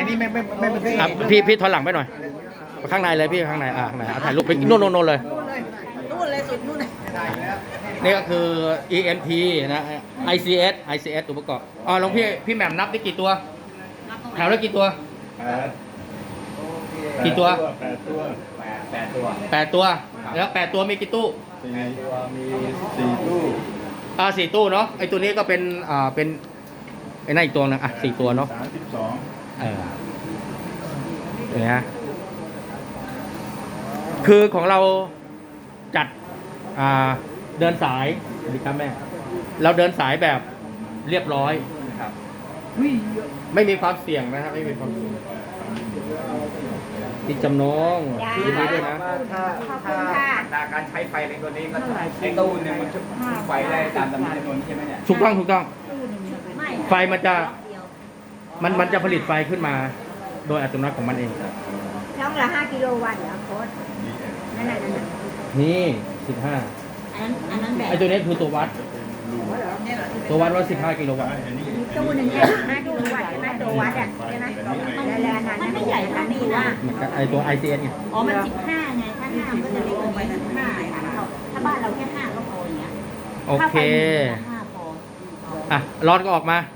นี่ไม่เป็นอ่ะพี่ถอยหลังไปหน่อยข้างในเลยพี่ข้างในข้างในถ่ายรูปไปโน่นเลยนู่นเลยสุดนู่นเลยนี่ก็คือ EMP นะ ICS ตัวประกอบลองพี่แหม่มนับได้กี่ตัวแถวได้กี่ตัวกี่ตัว8 ตัวแล้ว8 ตัวมีกี่ตู้ 4 ตัวมี4 ตู้ 4 ตู้เนาะไอตัวนี้ก็เป็นเป็นไอ้นั่นอีกตัวนึง4 ตัวเนาะ 32 เนี่ยคือของเราจัดเดินสายสวัสดีครับแม่เราเดินสายแบบเรียบร้อยครับไม่มีความเสี่ยงนะครับไม่มีความเสี่ยงที่จำนงยินดีด้วยนะถ้าอัตราการใช้ไฟในตัวนี้ก็ไอ้ตู้เนี่ยมันจะไฟได้ตามจำนวนใช่ไหมเนี่ยถูกต้องไฟมันจะผลิตไฟขึ้นมาโดยอัตโนมัติของมันเองช่องละ5 กิโลวัตต์เหรอโค้ดนั่นน่ะนี่15 อันนั้นแบบไอตัวนี้คือตัววัดว่า15 กิโลวัตต์ตู้หนึ่งเนี่ย5 กิโลวัตต์ใช่ไหมตัววัดอ่ะใช่ไหมแล้วมันไม่ใหญ่ขนาดนี้นะไอตัว ICS เนี่ยอ๋อมัน15ไงถ้า5มันก็จะเล็กกว่านี้15ค่ะถ้าบ้านเราแค่5ก็พออย่างเงี้ยโอเค 5พอร้อนก็ออกมา